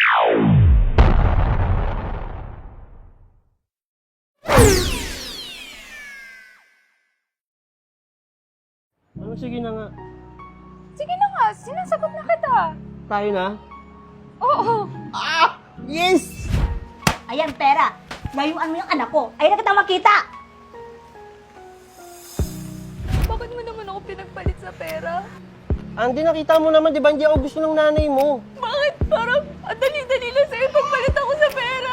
Ano, sige na nga. Sige na nga, sinasagot na kita. Tayo na? Oo. Yes! Ayan, pera. Layuan mo yung anak ko. Ayun na kita makita. Bakit mo naman ako pinagpalit sa pera? Andy, nakita mo naman, di ba hindi ako gusto ng nanay mo? Bakit parang ang dali-dali lang sa'yo pagpalit ako sa pera?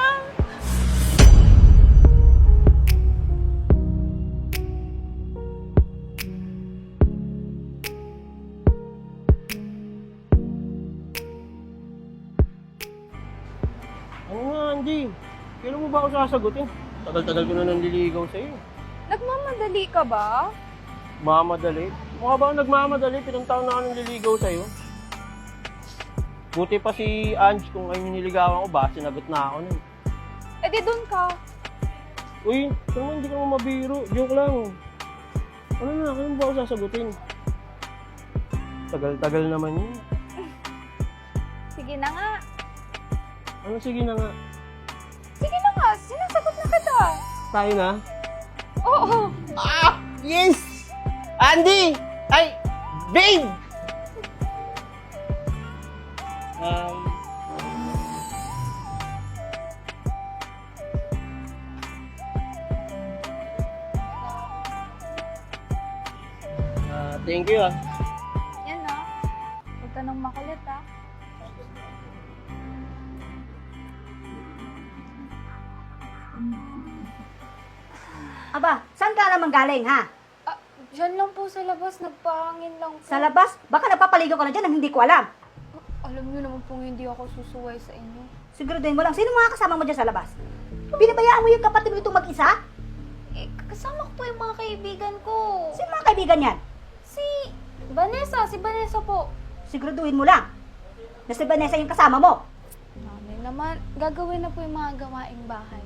Ano nga, Andy? Kailan mo ba ako sasagutin? Tagal-tagal ko na nanliligaw sa'yo. Nagmamadali ka ba? Mamadali? Mukha ba ako nagmamadali? 7 taon na ako nanliligaw sa'yo. Buti pa si Ange kung ay niligawan ko ba, sinagot na ako nun. Eh di dun ka. Uy, saan hindi ka mo mabiro? Joke lang. Ano na, kailan mo ba ako sasagutin? Tagal-tagal naman yun. Sige na nga. Ano, sige na nga. Sige na nga, sinasagot na kita. Tayo na? Oo. Yes! Andy! Ay! Babe! Thank you ah. Yan na. Huwag ka nang makulit ah. Aba, saan ka naman galing, ha? Diyan lang po sa labas, nagpahangin lang po. Sa labas? Baka napapaligaw ka na dyan ang hindi ko alam. Alam niyo naman pong hindi ako susuway sa inyo. Siguraduhin mo lang, sino mga kasama mo dyan sa labas? Binabayaan mo yung kapatid mo itong mag-isa? Eh, kasama ko po yung mga kaibigan ko. Sino mga kaibigan yan? Si Vanessa po. Siguraduhin mo lang na si Vanessa yung kasama mo. Mami naman, gagawin na po yung mga gawaing bahay.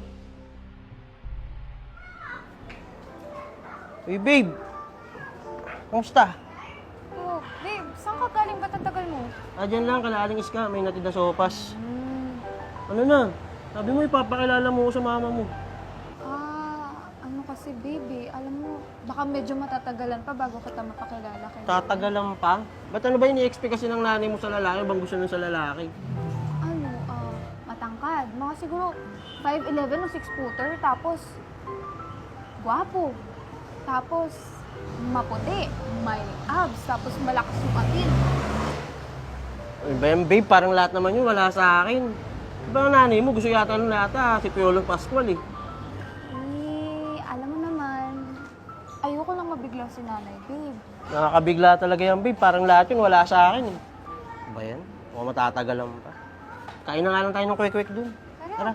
Uy, babe! Kamusta? Oh, babe, saan ka galing? Ba't ang tagal mo? Dyan lang, kalaaling iska, may natid na sopas. Ano na? Sabi mo, ipapakilala mo ko sa mama mo. Ano kasi, baby, alam mo, baka medyo matatagalan pa bago kita mapakilala kay Tatagalan pa? Ba't ano ba ini-expect kasi ng nanay mo sa lalaki? Bang gusto nun sa lalaki? Ano, matangkad. Mga siguro 5'11" o 6-footer, tapos gwapo. Tapos maputi, may abs, tapos malakas yung atin. Ano ba yan, babe? Parang lahat naman yun, wala sa akin. Diba ang nanay mo, gusto yata nung lahat si Piolo Pascual eh. Alam mo naman, ayoko lang mabigla si nanay, babe. Nakakabigla talaga yan, babe. Parang lahat yun, wala sa akin eh. Ano ba yan? Mukhang matatagalan pa. Kain na nga lang tayo ng kwek-kwek dun. Tara.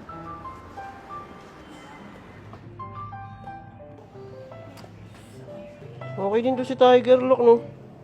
Okay din to si Tiger Lock, no?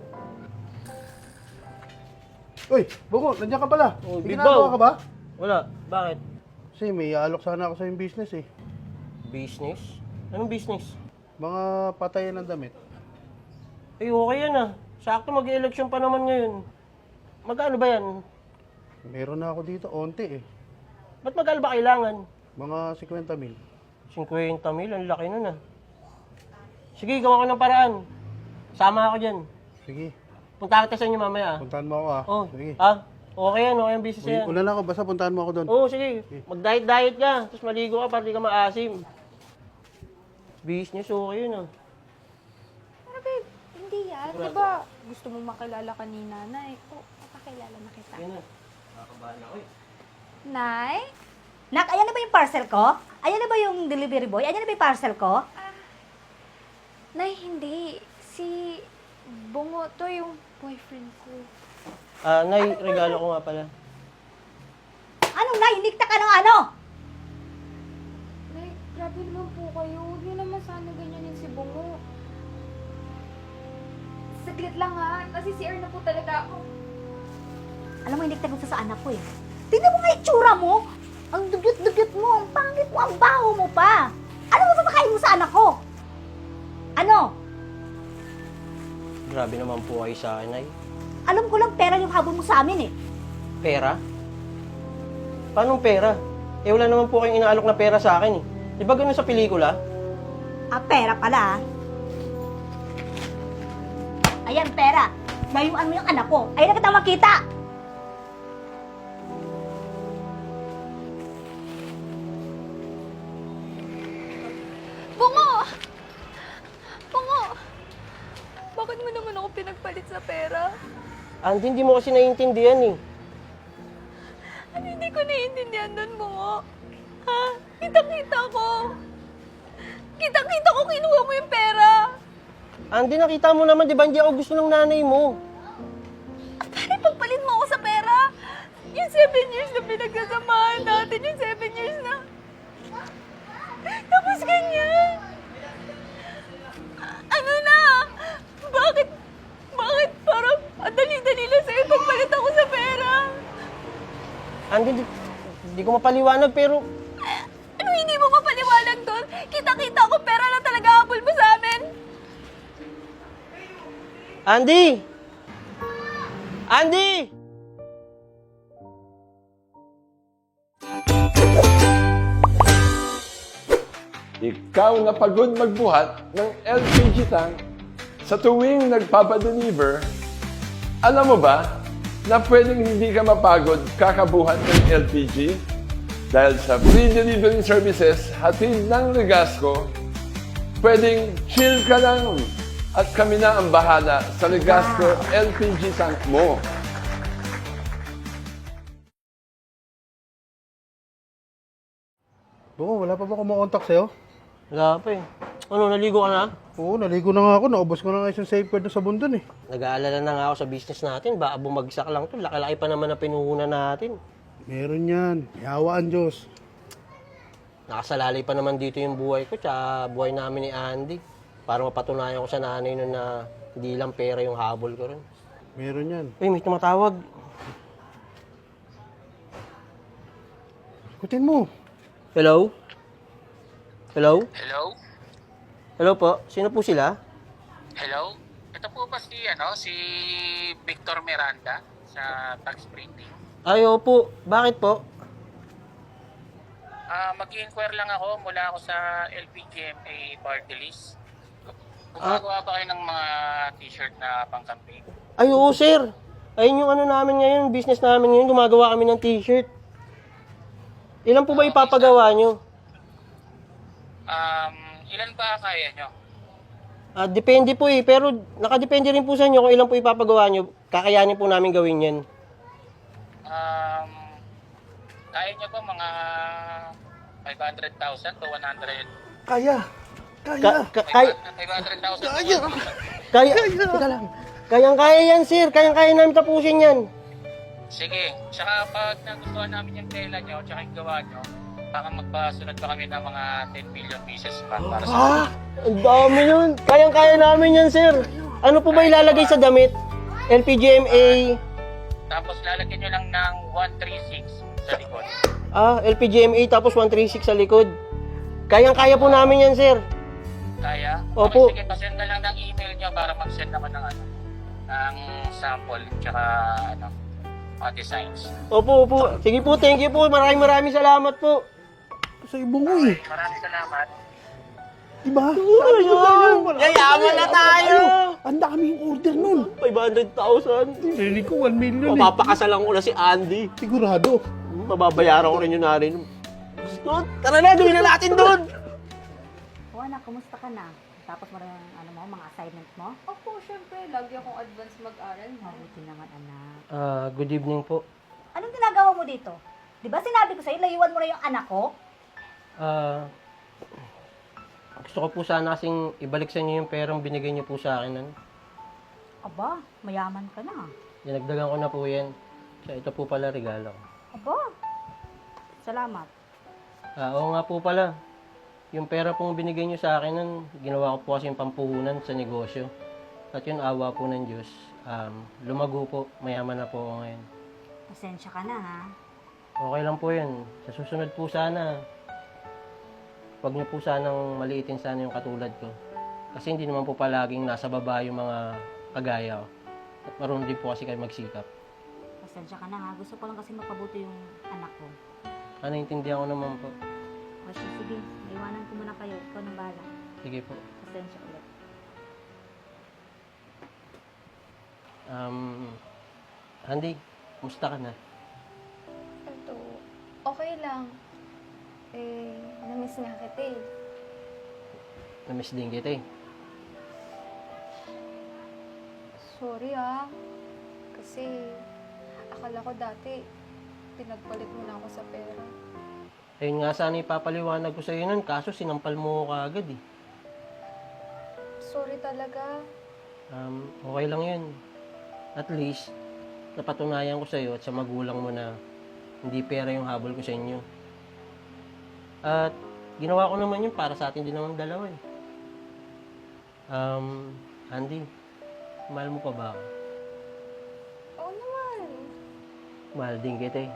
Uy, Bungo, nandiyan ka pala. Oh, May Bibaw. ginagawa ka ba? Wala. Bakit? Kasi may alok sana ako sa yung business eh. Business? Anong business? Mga patayan ng damit. Eh, okay yan ah. Sakto mag-election pa naman ngayon. Magkano ba yan? Meron na ako dito, onti eh. Ba't magkano ba kailangan? Mga 50 mil. 50 mil, ang laki nun ah. Sige, gawa ko ng paraan. Sama ako dyan. Sige, Punta kita sa inyo mamaya ah. puntahan mo ako ah. Oh, Sige. okay yan, okay ang business yan. Una na ako, basta puntahan mo ako doon. Oo, sige. Mag-diet-diet ka, tapos maligo ka para di ka maasim. Business, okay yun ah. Pero babe, hindi yan. Diba gusto mo makilala ka ni nanay? Papakilala na kita. Yan na. Nakakabahan ako eh. Nay? Nak, ayan na ba yung parcel ko? Ayan na ba yung delivery boy? Ayan na ba yung parcel ko? Nay, hindi. Si Bungo, to yung boyfriend ko. Nay, regalo ko nga pala. Anong nahinikta ka ng ano? Nay, grabe naman po kayo. Huwag niyo naman sana ganyanin si Bungo. Saglit lang ha. Nasi-CR na po talaga ako. Alam mo, hinikta gusto sa anak ko eh. Tingnan mo nga itsura mo. Ang dugyot-dugyot mo, ang pangit mo, ang baho mo pa. Ano mo papakain mo sa anak ko? Ano? Grabe naman po kayo sa akin, Nay. Alam ko lang pera yung habol mo sa amin eh. Pera? Paano pera? Eh, wala naman po kayong inaalok na pera sa akin eh. Di ba ganun sa pelikula? Pera pala, ah. Ayan, pera. Layuan mo yung anak ko. Ayun na kita makita. Bungo! Bungo! Bakit mo naman ako pinagpalit sa pera? Andy, hindi mo kasi naiintindihan eh. Ano hindi ko naiintindihan doon, Bungo? Ha? Kita-kita ko. Kita-kita ko kinuha mo yung pera. Andy, nakita mo naman, di ba hindi ako gusto ng nanay mo? Pare, pagpalit mo ako sa pera. Yung 7 years na pinagsasamahan natin, yung 7 years na... Tapos ganyan. Ano na? Bakit parang ang dali-dali lang sa'yo pagpalit ako sa pera? Andy, hindi ko mapaliwanag pero... Ano hindi mo mapaliwanag doon? Kita-kita ko pera na talaga habol mo sa amin. Andy! Andy! Ikaw na pagod magbuhat ng LPG tank sa tuwing nagpapadeliver, alam mo ba na pwedeng hindi ka mapagod kakabuhat ng LPG? Dahil sa free delivery services hatid ng Legasco, pwedeng chill ka lang at kami na ang bahala sa Legasco LPG tank mo. Bungo, wala pa ba kumakontak sa'yo? Wala pa eh. Ano, naligo ka na? Oo, naligo na nga ako. Naubos ko na nga yung safeguard sa bundon eh. Nag-aalala na nga ako sa business natin. Baka bumagsak lang to. Laki-laki pa naman na pinuhunan natin. Meron yan. Yawaan Diyos. Nakasalalay pa naman dito yung buhay ko tsaka buhay namin ni Andy. Para mapatunayan ko sa nanay nun na hindi lang pera yung habol ko rin. Meron yan. Uy, may tumatawag. Ikutin mo. Hello? Hello? Hello? Hello po? Sino po sila? Hello? Ito po ba si Victor Miranda sa tax printing? Ay, opo. Bakit po? Mag-inquire lang ako mula ako sa LPGMA party list. Gumagawa ba kayo ng mga t-shirt na pang-campaign? Ay, oo, sir. Ayun yung ano namin ngayon, business namin ngayon. Gumagawa kami ng t-shirt. Ilan po ba ipapagawa nyo? Ilan ba kaya nyo? Depende po eh. Pero nakadepende rin po sa inyo kung ilan po ipapagawa nyo. Kakayanin po namin gawin yan. Kaya nyo ba mga 500,000 to 100? Kaya. Kaya. 500,000 Kaya. Kaya. Teka lang. Kayang-kaya yan, sir. Kayang-kaya namin tapusin yan. Sige. Tsaka pag nagustuhan namin yung tela nyo, tsaka yung gawa nyo, baka magpasunod pa kami ng mga 10 million pieces pa para sa Ang dami yun. Kayang-kaya namin yan, sir. Ano po ba ilalagay sa damit? LPGMA. Tapos lalagyan nyo lang ng 136 sa likod. LPGMA tapos 136 sa likod. Kayang-kaya po namin yan, sir. Kaya? Opo. Okay, sige, pasend na lang ng email nyo para mag-send naman ng ng sample tsaka mga designs. Opo, opo. Sige po, thank you po. Maraming salamat po. Sa ibong mo eh. Maraming salamat. Diba? Ayun! Yayaman na tayo! Ang daming order nun. 500,000. Rinig ko 1 million eh. Mapapakasalan ko na si Andy. Sigurado. Mababayaran ko rin yung nanay. Gusto? Tara na, gawin na natin doon! O anak, kumusta ka na? Tapos mo rin mga assignment mo? Opo, syempre. Lagi akong advance mag-aral. Mabuti naman, anak. Good evening po. Anong ginagawa mo dito? Di ba sinabi ko sa'yo, layuan mo na yung anak ko? Gusto ko po sana kasing ibalik sa inyo yung perang binigay niyo po sa akin. Aba, mayaman ka na. Dinagdagan ko na po yan. Kaya ito po pala regalo ko. Aba, salamat. Oo nga po pala. Yung pera pong binigay niyo sa akin nun, ginawa ko po kasi yung pampuhunan sa negosyo. At yun, awa po ng Diyos. Lumago po, mayaman na po ako ngayon. Pasensya ka na, ha? Okay lang po yun. Sa susunod po sana, huwag niyo po sanang maliitin sana yung katulad ko. Kasi hindi naman po palaging nasa baba yung mga kagaya ko. At marunong din po kasi kayo magsikap. Pasensya ka na, ha? Gusto ko lang kasi mapabuti yung anak ko. Naintindihan ko naman po. O siya, sige, maiwanan ko muna kayo. Ikaw nang bahala. Sige po. Pasensya ulit. Andy, kumusta ka na? Ito, okay lang. Namiss nga kita eh. Namiss din kita eh. Sorry ah. Kasi, akala ko dati, pinagpalit mo na ako sa pera. Ayun nga sana ipapaliwanag ko sa'yo nun, kaso sinampal mo ko agad eh. Sorry talaga. Okay lang yun. At least, napatunayan ko sa'yo at sa magulang mo na hindi pera yung habol ko sa inyo. At ginawa ko naman yun para sa atin din naman dalawa eh. Andy, mahal mo pa ba ako? Oo naman. Mahal din kita eh.